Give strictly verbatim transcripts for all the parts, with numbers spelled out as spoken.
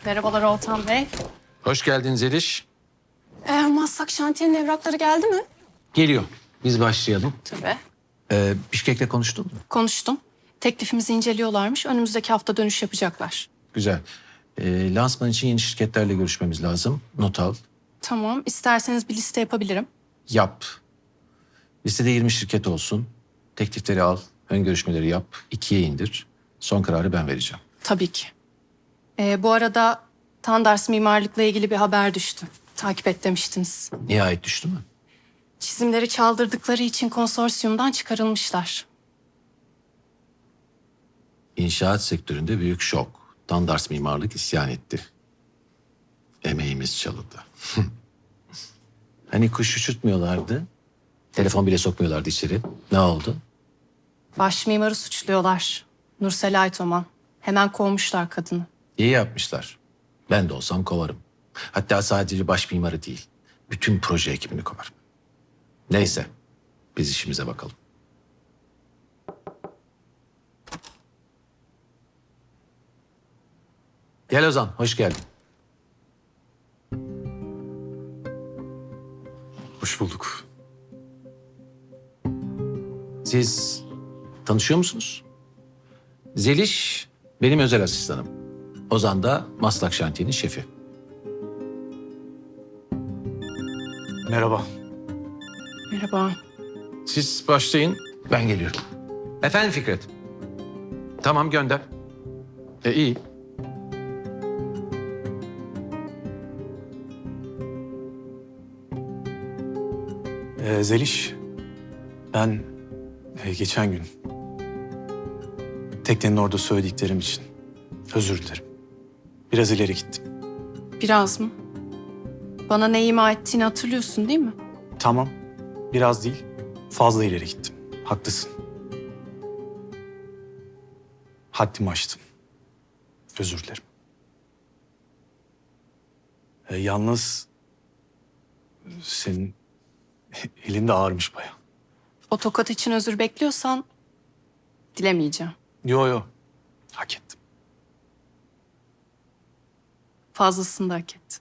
Merhabalar Oltan Bey. Hoş geldin Zeliş. Ee, Maslak şantiyenin evrakları geldi mi? Geliyor. Biz başlayalım. Tabii. Ee, Bişkek'le konuştun mu? Konuştum. Teklifimizi inceliyorlarmış. Önümüzdeki hafta dönüş yapacaklar. Güzel. Ee, lansman için yeni şirketlerle görüşmemiz lazım. Not al. Tamam. İsterseniz bir liste yapabilirim. Yap. Listede yirmi şirket olsun. Teklifleri al. Ön görüşmeleri yap. ikiye indir. Son kararı ben vereceğim. Tabii ki. Ee, bu arada Tandars mimarlıkla ilgili bir haber düştü. Takip et demiştiniz. Nihayet düştü mü? Çizimleri çaldırdıkları için konsorsiyumdan çıkarılmışlar. İnşaat sektöründe büyük şok. Tandars Mimarlık isyan etti. Emeğimiz çalındı. Hani kuş uçurtmuyorlardı. Telefon bile sokmuyorlardı içeri. Ne oldu? Baş mimarı suçluyorlar. Nursel Aytoman. Hemen kovmuşlar kadını. İyi yapmışlar. Ben de olsam kovarım. Hatta sadece baş mimarı değil. Bütün proje ekibini kovarım. Neyse. Biz işimize bakalım. Gel Ozan, hoş geldin. Hoş bulduk. Siz tanışıyor musunuz? Zeliş benim özel asistanım. Ozan da Maslak Şantiye'nin şefi. Merhaba. Merhaba. Siz başlayın, ben geliyorum. Efendim Fikret. Tamam gönder. E iyi. Ee, Zeliş, ben e, geçen gün teknenin orada söylediklerim için özür dilerim. Biraz ileri gittim. Biraz mı? Bana ne ima ettiğini hatırlıyorsun değil mi? Tamam, biraz değil, fazla ileri gittim. Haklısın. Haddimi aştım. Özür dilerim. Ee, yalnız senin elin de ağırmış bayağı. O tokat için özür bekliyorsan dilemeyeceğim. Yo yo, hak ettim. Fazlasını da hak ettin.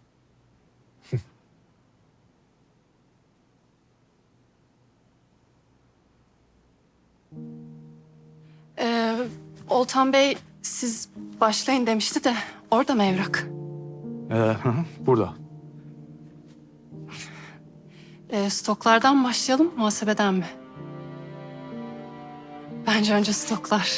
ee, Oltan Bey siz başlayın demişti de orada mı evrak? Ee, hı hı, burada. Ee, stoklardan mı başlayalım, muhasebeden mi? Bence önce stoklar.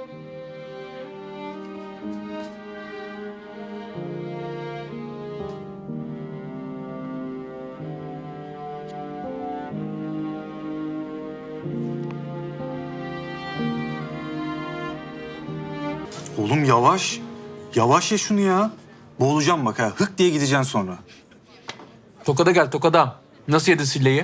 Oğlum yavaş. Yavaş ya şunu ya. Boğulacağım bak ha. Hık diye gideceksin sonra. Tokada gel Tokada. Nasıl yedin silleyi?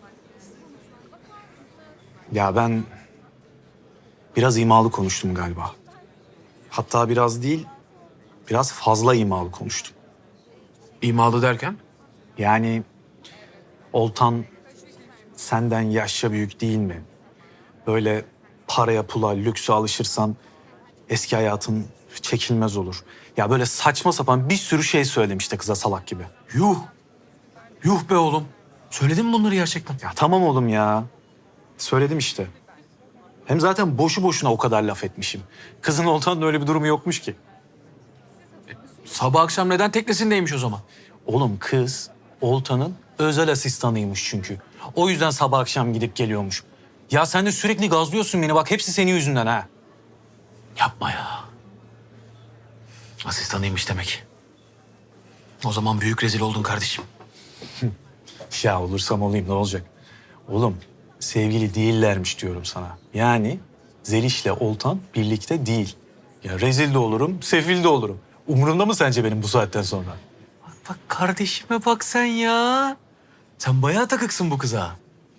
Ya ben biraz imalı konuştum galiba. Hatta biraz değil, biraz fazla imalı konuştum. İmalı derken? Yani Oltan senden yaşça büyük değil mi? Böyle paraya, pula, lükse alışırsan eski hayatın çekilmez olur. Ya böyle saçma sapan bir sürü şey söylemişti kıza salak gibi. Yuh. Yuh be oğlum. Söyledin mi bunları gerçekten? Ya tamam oğlum ya. Söyledim işte. Hem zaten boşu boşuna o kadar laf etmişim. Kızın Oltan'ın öyle bir durumu yokmuş ki. Sabah akşam neden teknesindeymiş o zaman? Oğlum kız Oltan'ın özel asistanıymış çünkü. O yüzden sabah akşam gidip geliyormuş. Ya sen de sürekli gazlıyorsun beni bak hepsi senin yüzünden ha. Yapma ya. Asistanıymış demek. O zaman büyük rezil oldun kardeşim. Ya olursam olayım ne olacak? Oğlum sevgili değillermiş diyorum sana. Yani Zeliş'le Oltan birlikte değil. Ya rezil de olurum, sefil de olurum. Umurumda mı sence benim bu saatten sonra? Bak kardeşime bak sen ya. Sen bayağı takıksın bu kıza.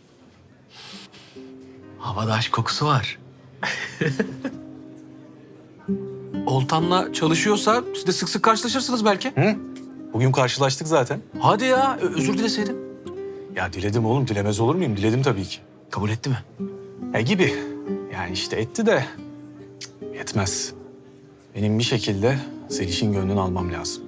Havada aşk kokusu var. Oltan'la çalışıyorsa siz de sık sık karşılaşırsınız belki. Hı? Bugün karşılaştık zaten. Hadi ya ö- özür dileseydin. Ya diledim oğlum, dilemez olur muyum? Diledim tabii ki. Kabul etti mi? E gibi. Yani işte etti de cık, yetmez. Benim bir şekilde Zeliş'in gönlünü almam lazım.